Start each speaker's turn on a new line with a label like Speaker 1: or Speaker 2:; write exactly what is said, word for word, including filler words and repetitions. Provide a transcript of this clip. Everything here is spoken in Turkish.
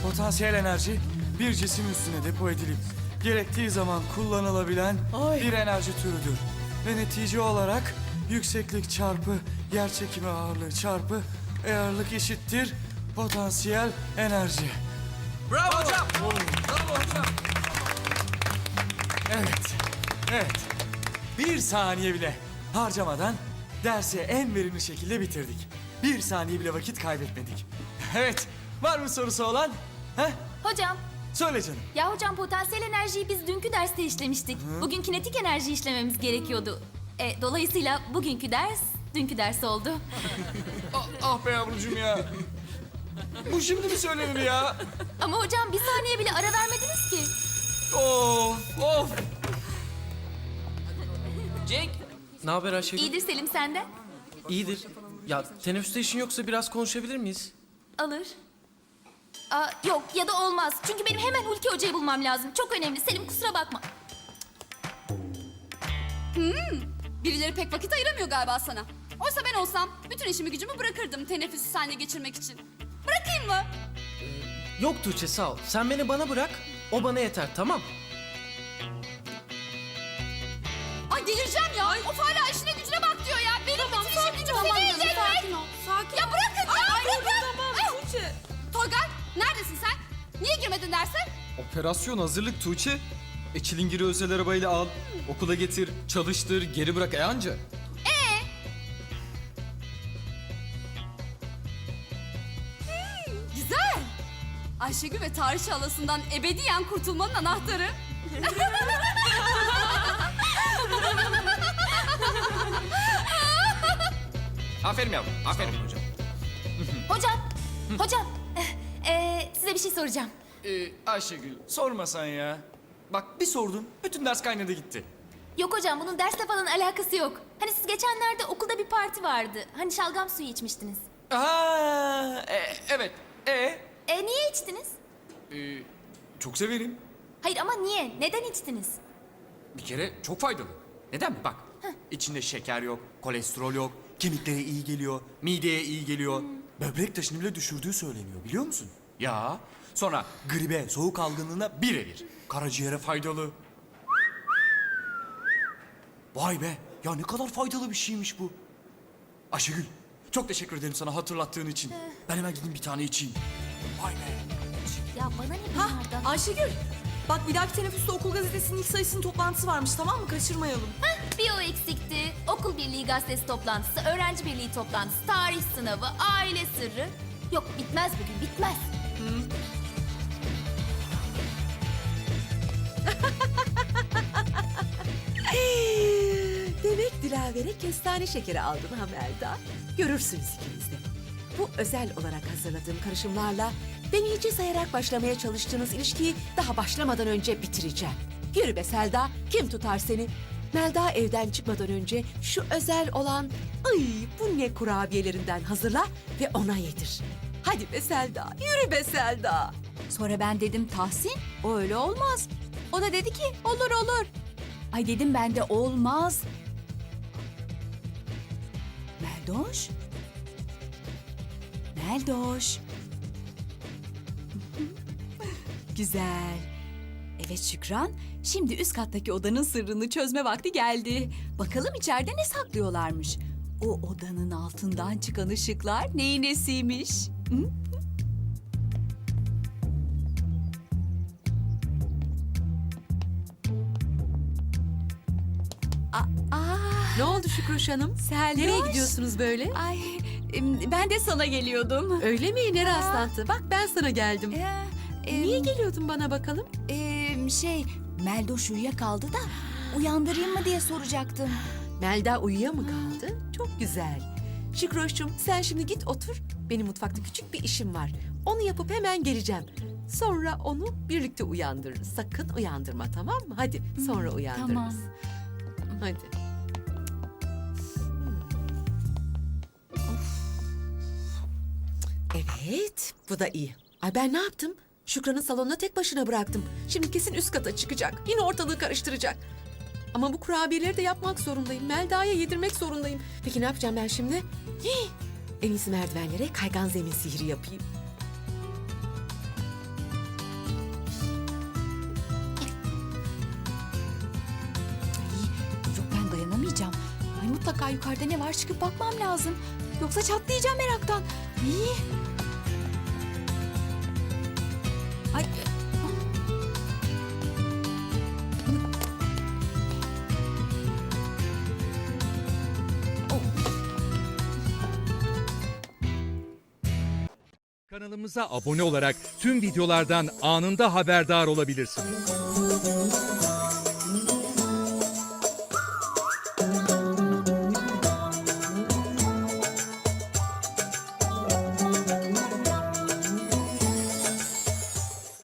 Speaker 1: Potansiyel enerji bir cisim üstüne depo edilip gerektiği zaman kullanılabilen
Speaker 2: Ay.
Speaker 1: bir enerji türüdür. Ve netice olarak yükseklik çarpı yerçekimi ağırlığı çarpı ağırlık eşittir potansiyel enerji.
Speaker 3: Bravo hocam. Bravo hocam.
Speaker 1: Evet, evet. Bir saniye bile harcamadan dersi en verimli şekilde bitirdik. Bir saniye bile vakit kaybetmedik. Evet, var mı sorusu olan? Heh,
Speaker 4: Hocam,
Speaker 1: söyle canım.
Speaker 4: ya hocam potansiyel enerjiyi biz dünkü derste işlemiştik. Bugün kinetik enerji işlememiz gerekiyordu. E, dolayısıyla bugünkü ders dünkü ders oldu.
Speaker 1: Ah, ah be yavrucuğum ya. Bu şimdi mi söylenir ya?
Speaker 4: Ama hocam bir saniye bile ara vermediniz ki.
Speaker 1: Of, of.
Speaker 3: Cenk.
Speaker 2: Ne haber Ayşegül?
Speaker 4: İyidir Selim senden.
Speaker 2: İyidir. Ya teneffüste işin yoksa biraz konuşabilir miyiz?
Speaker 4: Alır. Aa, yok ya da olmaz. Çünkü benim hemen Hulki Hoca'yı bulmam lazım. Çok önemli. Selim kusura bakma.
Speaker 5: Birileri pek vakit ayıramıyor galiba sana. Oysa ben olsam bütün işimi gücümü bırakırdım teneffüsü seninle geçirmek için. Bırakayım mı?
Speaker 2: Yok Tuğçe sağ ol. Sen beni bana bırak. O bana yeter tamam.
Speaker 5: Ay delireceğim ya. Of hala işine gücüne bak diyor ya. Benim bütün işim gücüm seni yiyecek.
Speaker 6: Sakin ol, sakin
Speaker 5: Ya
Speaker 6: ol.
Speaker 5: bırakın ya
Speaker 6: Ay,
Speaker 5: bırakın.
Speaker 6: tamam,
Speaker 5: Ah!
Speaker 6: Tuğçe.
Speaker 5: Toygar neredesin sen? Niye girmedin derse?
Speaker 7: Operasyon hazırlık Tuğçe. E çilingiri özel arabayla al, okula getir, çalıştır, geri bırak e anca.
Speaker 5: Güzel. Ayşegül ve tarihçi halasından ebediyen kurtulmanın anahtarı.
Speaker 3: Aferin yavrum. Aferin hocam.
Speaker 4: Hocam, hocam. Ee, size bir şey soracağım.
Speaker 1: Ee, Ayşegül, sormasan ya. Bak bir sordum, bütün ders kaynadı gitti.
Speaker 4: Yok hocam bunun dersle falan alakası yok. Hani siz geçenlerde okulda bir parti vardı. Hani şalgam suyu içmiştiniz.
Speaker 1: Aa, e, evet. E,
Speaker 4: E niye içtiniz?
Speaker 1: e, çok severim.
Speaker 4: Hayır ama niye? Neden içtiniz?
Speaker 1: Bir kere çok faydalı. Neden mi? Bak, içinde şeker yok, kolesterol yok, kemiklere iyi geliyor, mideye iyi geliyor. Böbrek taşını bile düşürdüğü söyleniyor, biliyor musun? Ya, sonra gribe, soğuk algınlığına birebir. Karaciğere faydalı. Vay be, ya ne kadar faydalı bir şeymiş bu. Ayşegül, çok teşekkür ederim sana hatırlattığın için. Ben hemen gideyim bir tane içeyim. Vay be.
Speaker 4: Ya bana ne bunlardan?
Speaker 6: Ayşegül, bak bir dahaki teneffüste okul gazetesinin ilk sayısının toplantısı varmış, tamam mı? Kaçırmayalım.
Speaker 4: Bir o eksikti. Okul birliği gazetesi toplantısı, öğrenci birliği toplantısı, tarih sınavı, aile sırrı. Yok bitmez bugün, bitmez.
Speaker 8: Demek Dilaver'e kestane şekeri aldın ha Melda. Görürsünüz ikiniz de. Bu özel olarak hazırladığım karışımlarla deneyici sayarak başlamaya çalıştığınız ilişkiyi daha başlamadan önce bitireceğim. Yürü be Selda, kim tutar seni? Melda evden çıkmadan önce şu özel olan ay bu ne kurabiyelerinden hazırla ve ona yedir. Hadi be Selda, yürü be Selda.
Speaker 5: Sonra ben dedim Tahsin o öyle olmaz. O da dedi ki olur olur. Ay dedim ben de olmaz. Meldoş. Meldoş. Güzel. Evet Şükran, şimdi üst kattaki odanın sırrını çözme vakti geldi. Bakalım içeride ne saklıyorlarmış. O odanın altından çıkan ışıklar neyin nesiymiş? Hı?
Speaker 8: Ne oldu Şükroş Hanım?
Speaker 5: Seldoş.
Speaker 8: Nereye gidiyorsunuz böyle?
Speaker 5: Ay, em, ben de sana geliyordum.
Speaker 8: Öyle mi? Ne rastlantı? Bak ben sana geldim.
Speaker 5: Ee, em,
Speaker 8: Niye geliyordun bana bakalım?
Speaker 5: em, şey, Meldoş uyuyakaldı da uyandırayım mı diye soracaktım.
Speaker 8: Melda uyuya mı kaldı? Çok güzel. Şükroş'cum sen şimdi git otur. Benim mutfakta küçük bir işim var. Onu yapıp hemen geleceğim. Sonra onu birlikte uyandırırız. Sakın uyandırma tamam mı? Hadi sonra uyandırırız.
Speaker 5: tamam.
Speaker 8: Hadi. Evet, bu da iyi. Ay ben ne yaptım? Şükran'ı salonda tek başına bıraktım. Şimdi kesin üst kata çıkacak. Yine ortalığı karıştıracak. Ama bu kurabiyeleri de yapmak zorundayım. Melda'ya yedirmek zorundayım. Peki ne yapacağım ben şimdi? Hii! En iyisi merdivenlere kaygan zemin sihri yapayım.
Speaker 5: Mutlaka yukarıda ne var çıkıp bakmam lazım. Yoksa çatlayacağım meraktan. İyi. Ay.
Speaker 9: Kanalımıza abone olarak tüm videolardan anında haberdar olabilirsiniz.